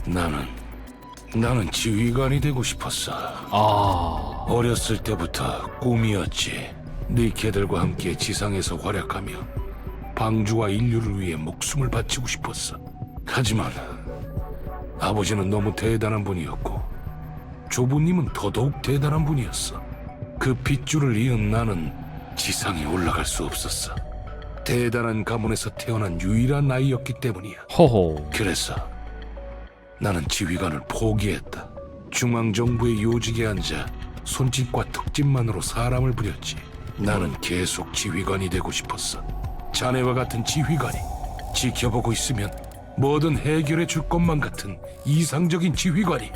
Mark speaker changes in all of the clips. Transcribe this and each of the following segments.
Speaker 1: 나는 지휘관이 되고 싶었어. 어렸을 때부터 꿈이었지. 니케들과 함께 지상에서 활약하며 방주와 인류를 위해 목숨을 바치고 싶었어. 하지만 아버지는 너무 대단한 분이었고 조부님은 더더욱 대단한 분이었어. 그 핏줄을 이은 나는 지상에 올라갈 수 없었어. 대단한 가문에서 태어난 유일한 아이였기 때문이야.
Speaker 2: 호호.
Speaker 1: 그래서 나는 지휘관을 포기했다. 중앙정부의 요직에 앉아 손짓과 턱짓만으로 사람을 부렸지. 나는 계속 지휘관이 되고 싶었어. 자네와 같은 지휘관이 지켜보고 있으면 뭐든 해결해 줄 것만 같은 이상적인 지휘관이.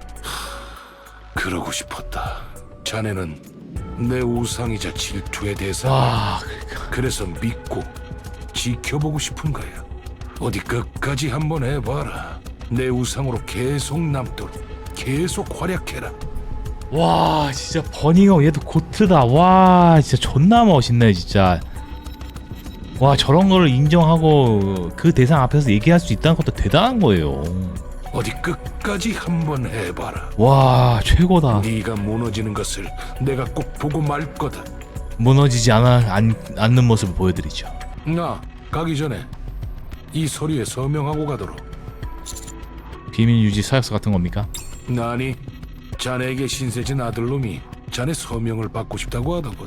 Speaker 1: 그러고 싶었다. 자네는 내 우상이자 질투의 대상이야. 그래서 믿고 지켜보고 싶은 거야. 어디 끝까지 한번 해봐라. 내 우상으로 계속 남도록 계속 활약해라.
Speaker 2: 와, 진짜 버닝어 얘도 고트다. 와, 진짜 존나 멋있네 진짜. 와, 저런 거를 인정하고 그 대상 앞에서 얘기할 수 있다는 것도 대단한 거예요.
Speaker 1: 어디 끝까지 한번 해봐라.
Speaker 2: 와, 최고다.
Speaker 1: 네가 무너지는 것을 내가 꼭 보고 말 거다.
Speaker 2: 무너지지 않는 모습을 보여드리죠.
Speaker 1: 나 가기 전에 이 서류에 서명하고 가도록.
Speaker 2: 비밀 유지 서약서 같은 겁니까?
Speaker 1: 나니 자네에게 신세진 아들놈이 자네 서명을 받고 싶다고 하더군.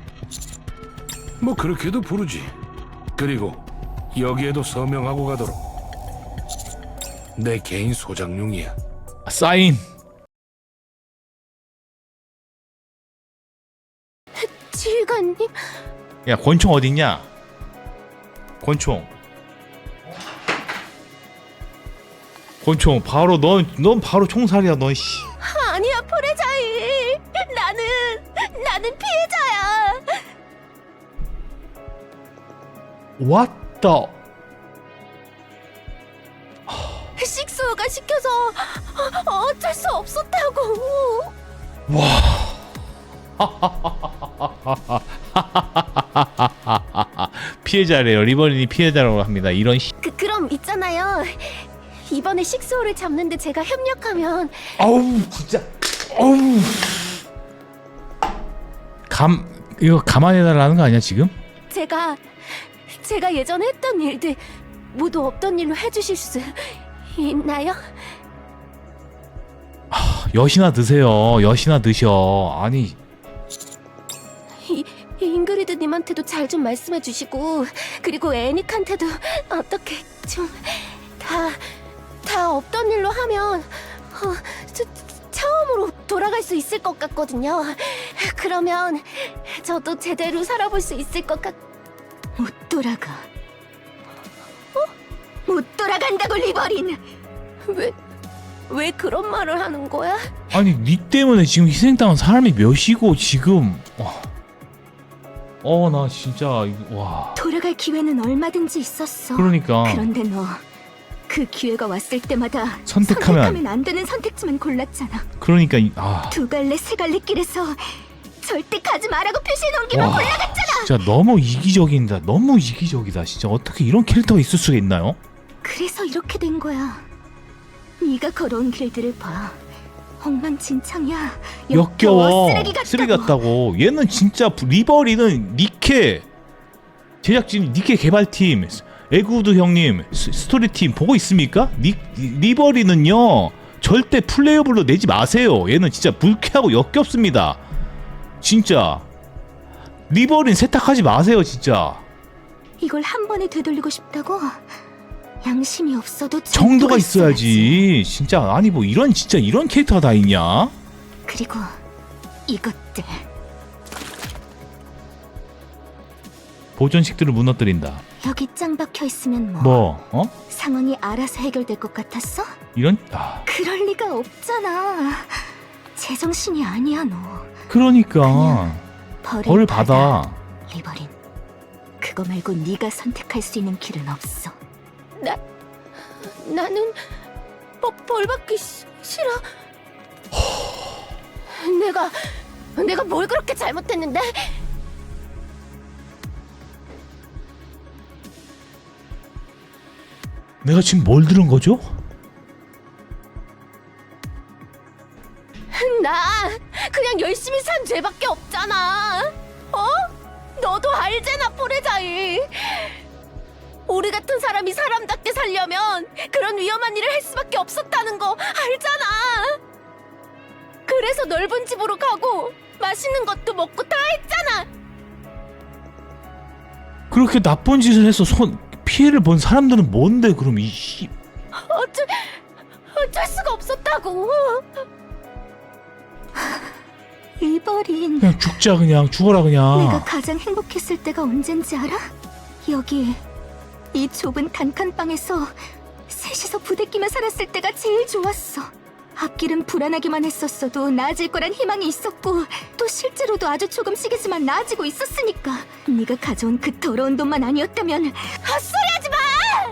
Speaker 1: 뭐 그렇게도 부르지. 그리고 여기에도 서명하고 가도록. 내 개인 소장용이야.
Speaker 2: 사인.
Speaker 3: 지휘관님,
Speaker 2: 야, 권총 어딨냐? 권총 바로 넌 바로 총살이야 넌. 씨.
Speaker 3: 아니야 포레자이. 나는 피해자야.
Speaker 2: What the?
Speaker 3: 식수가 시켜서 어쩔 수 없었다고.
Speaker 2: 피해자래요. 리버린이 피해자라고 합니다. 이런 씨.
Speaker 3: 그럼 있잖아요. 이번에 식수호를 잡는데 제가 협력하면.
Speaker 2: 아우 진짜. 아우. 이거 감안해달라는 거 아니야 지금?
Speaker 3: 제가 예전에 했던 일들 모두 없던 일로 해주실 수 있나요?
Speaker 2: 여시나 드세요. 여시나 드셔. 아니.
Speaker 3: 잉그리드님한테도 잘 좀 말씀해 주시고, 그리고 애닉한테도 어떻게 좀 다 없던 일로 하면 처음으로 돌아갈 수 있을 것 같거든요. 그러면 저도 제대로 살아볼 수 있을 것 같... 못 돌아가. 못 돌아간다고, 리버린! 왜 그런 말을 하는 거야?
Speaker 2: 아니 니 때문에 지금 희생당한 사람이 몇이고 지금. 나 진짜 와.
Speaker 3: 돌아갈 기회는 얼마든지 있었어.
Speaker 2: 그러니까.
Speaker 3: 그런데 너 그 기회가 왔을 때마다
Speaker 2: 선택하면
Speaker 3: 안 되는 선택지만 골랐잖아.
Speaker 2: 그러니까
Speaker 3: 두 갈래 세 갈래 길에서 절대 가지 말라고 표시해놓은 길만 골라갔잖아.
Speaker 2: 진짜 너무 이기적이다. 너무 이기적이다. 진짜 어떻게 이런 캐릭터가 있을 수가 있나요?
Speaker 3: 그래서 이렇게 된 거야. 네가 걸어온 길들을 봐. 엉망진창이야.
Speaker 2: 역겨워.
Speaker 3: 쓰레기
Speaker 2: 같다고. 얘는 진짜 리버리는 니케 제작진, 니케 개발팀, 에구드 형님, 스토리팀 보고 있습니까? 리버리는요 절대 플레이어블로 내지 마세요. 얘는 진짜 불쾌하고 역겹습니다. 진짜 리버린 세탁하지 마세요 진짜.
Speaker 3: 이걸 한 번에 되돌리고 싶다고? 양심이 없어도
Speaker 2: 정도가 있어야지. 진짜 아니 뭐 이런 캐릭터가 다 있냐?
Speaker 3: 그리고 이것들
Speaker 2: 보존식들을 무너뜨린다.
Speaker 3: 여기 짱 박혀 있으면 뭐
Speaker 2: 뭐?
Speaker 3: 상황이 알아서 해결될 것 같았어?
Speaker 2: 이런
Speaker 3: 그럴 리가 없잖아. 제정신이 아니야 너.
Speaker 2: 그러니까 벌을 받아.
Speaker 3: 리버린, 그거 말고 네가 선택할 수 있는 길은 없어. 나는 벌 받기 싫어. 내가 뭘 그렇게 잘못했는데?
Speaker 2: 내가 지금 뭘 들은 거죠?
Speaker 3: 나 그냥 열심히 산 죄밖에 없잖아. 어? 너도 알잖아, 포레자이. 우리 같은 사람이 사람답게 살려면 그런 위험한 일을 할 수밖에 없었다는 거 알잖아. 그래서 넓은 집으로 가고 맛있는 것도 먹고 다 했잖아.
Speaker 2: 그렇게 나쁜 짓을 해서 피해를 본 사람들은 뭔데 그럼
Speaker 3: 어쩔 수가 없었다고.
Speaker 4: 리버린,
Speaker 2: 그냥 죽자, 그냥 죽어라 그냥.
Speaker 4: 내가 가장 행복했을 때가 언젠지 알아? 여기 이 좁은 단칸방에서 셋이서 부대끼며 살았을 때가 제일 좋았어. 앞길은 불안하기만 했었어도 나아질 거란 희망이 있었고, 또 실제로도 아주 조금씩이지만 나아지고 있었으니까. 네가 가져온 그 더러운 돈만 아니었다면.
Speaker 3: 헛소리하지 마.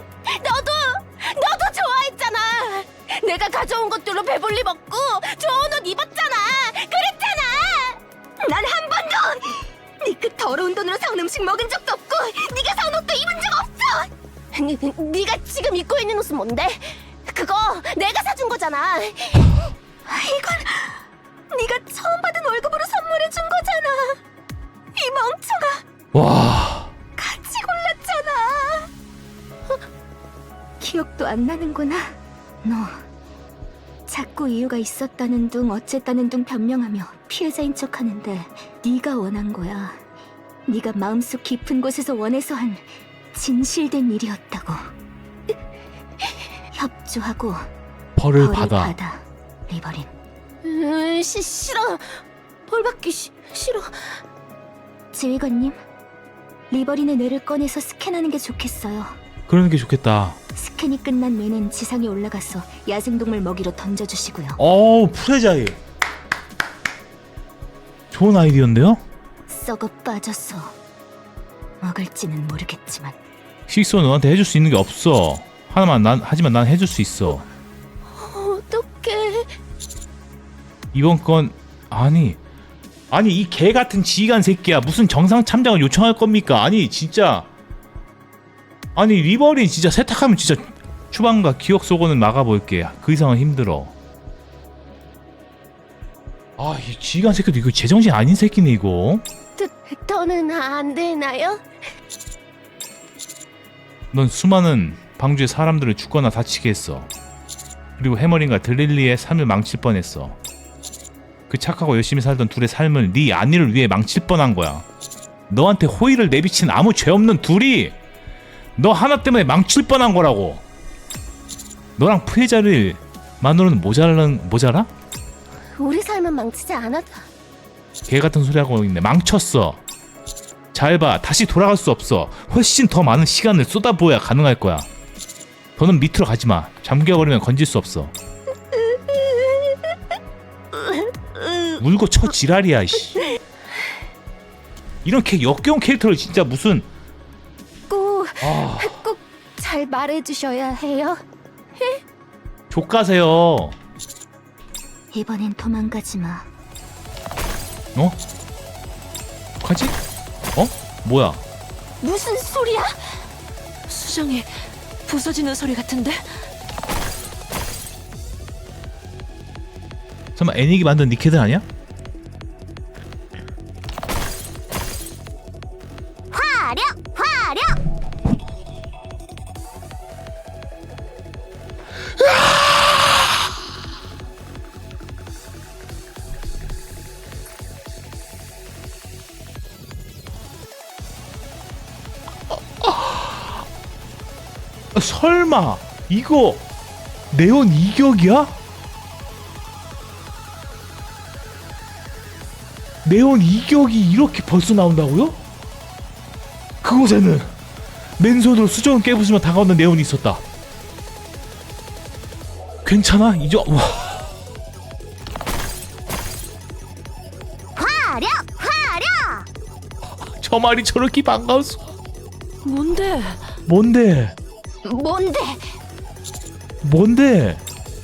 Speaker 3: 너도 좋아했잖아. 내가 가져온 것들로 배불리 먹고 좋은 옷 입었잖아. 그랬잖아.
Speaker 4: 난 한 번도 네 그 더러운 돈으로 사온 음식 먹은 적도 없고, 네가 사온 옷도 입은 적 없어.
Speaker 3: 네가 지금 입고 있는 옷은 뭔데? 그거 내가 사준 거잖아.
Speaker 4: 이건 네가 처음 받은 월급으로 선물해 준 거잖아. 이 멍청아,
Speaker 2: 와,
Speaker 4: 같이 골랐잖아. 기억도 안 나는구나. 너 자꾸 이유가 있었다는 둥 어쨌다는 둥 변명하며 피해자인 척하는데, 네가 원한 거야. 네가 마음속 깊은 곳에서 원해서 한 진실된 일이었다고. 협조하고
Speaker 2: 벌을
Speaker 4: 벌을
Speaker 2: 받아.
Speaker 4: 받아, 리버린.
Speaker 3: 싫어. 벌 받기 싫어.
Speaker 4: 지휘관님, 리버린의 뇌를 꺼내서 스캔하는 게 좋겠어요.
Speaker 2: 그러는 게 좋겠다.
Speaker 4: 스캔이 끝난 뇌는 지상에 올라가서 야생동물 먹이로 던져주시고요.
Speaker 2: 어우, 프레자이. 좋은 아이디어인데요?
Speaker 4: 썩어 빠져서 먹을지는 모르겠지만.
Speaker 2: 식소 너한테 해줄 수 있는 게 없어. 하지만 난 해줄 수 있어.
Speaker 3: 어떡해.
Speaker 2: 이번 건 아니 이 개 같은 지휘관 새끼야. 무슨 정상 참작을 요청할 겁니까? 아니 진짜. 아니 리버린 진짜 세탁하면 진짜 추방과 기억 속어는 막아볼게. 그 이상은 힘들어. 아, 이 지휘관 새끼도 이거 제정신 아닌 새끼네 이거.
Speaker 3: 더는 안 되나요?
Speaker 2: 넌 수많은 방주의 사람들을 죽거나 다치게 했어. 그리고 해머린과 드릴리의 삶을 망칠 뻔했어. 그 착하고 열심히 살던 둘의 삶을 네 안위를 위해 망칠 뻔한 거야. 너한테 호의를 내비친 아무 죄 없는 둘이 너 하나 때문에 망칠 뻔한 거라고. 너랑 피해자를 만으로는 모자라?
Speaker 3: 우리 삶은 망치지 않아도.
Speaker 2: 개 같은 소리 하고 있네. 망쳤어. 잘 봐. 다시 돌아갈 수 없어. 훨씬 더 많은 시간을 쏟아부어야 가능할 거야. 더는 밑으로 가지 마. 잠겨버리면 건질 수 없어. 울고 쳐 지랄이야, 씨. 이런 역겨운 캐릭터를 진짜 무슨
Speaker 3: 꼭 잘 말해주셔야 해요.
Speaker 2: 족가세요.
Speaker 4: 이번엔 도망가지 마.
Speaker 2: 어? 가지? 어? 뭐야?
Speaker 3: 무슨 소리야?
Speaker 5: 수정이 부서지는 소리 같은데?
Speaker 2: 설마 애닉이 만든 니케들 아니야?
Speaker 4: 화력!
Speaker 2: 설마 이거 네온 이격이야? 네온 이격이 이렇게 벌써 나온다고요? 그곳에는 맨손으로 수정을 깨부수며 다가오는 네온이 있었다. 괜찮아? 이제 와.
Speaker 4: 화력!
Speaker 2: 저 말이 저렇게 반가웠어.
Speaker 5: 뭔데?
Speaker 2: 뭔데? 뭔데?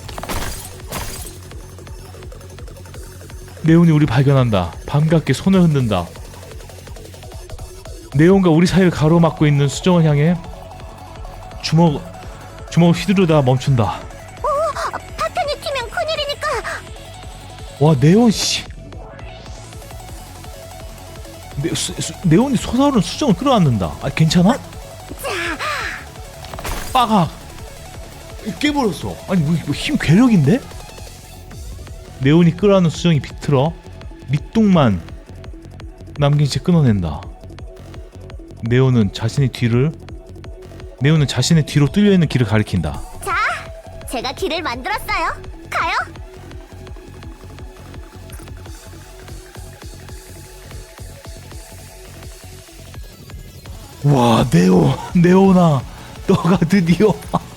Speaker 2: 네온이 우리 발견한다. 반갑게 손을 흔든다. 네온과 우리 사이를 가로막고 있는 수정을 향해 주먹을 휘두르다 멈춘다.
Speaker 4: 파탄이 튀면 큰일이니까.
Speaker 2: 와 네온 씨. 네온이 솟아오르는 수정을 끌어안는다. 아 괜찮아? 빠가 깨버렸어. 아니 뭐 힘 괴력인데? 네온이 끌어안는 수정이 비틀어 밑둥만 남긴 채 끊어낸다. 네온은 자신의 뒤로 뚫려 있는 길을 가리킨다.
Speaker 4: 자, 제가 길을 만들었어요. 가요.
Speaker 2: 와 네온아 너가 드디어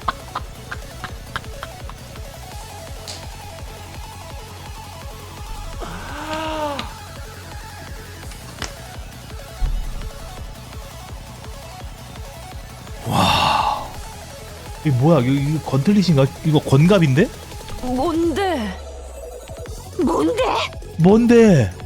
Speaker 2: 와 이게 뭐야 이거 건틀릿인가? 이거 건갑인데?
Speaker 5: 뭔데?
Speaker 3: 뭔데?
Speaker 2: 뭔데?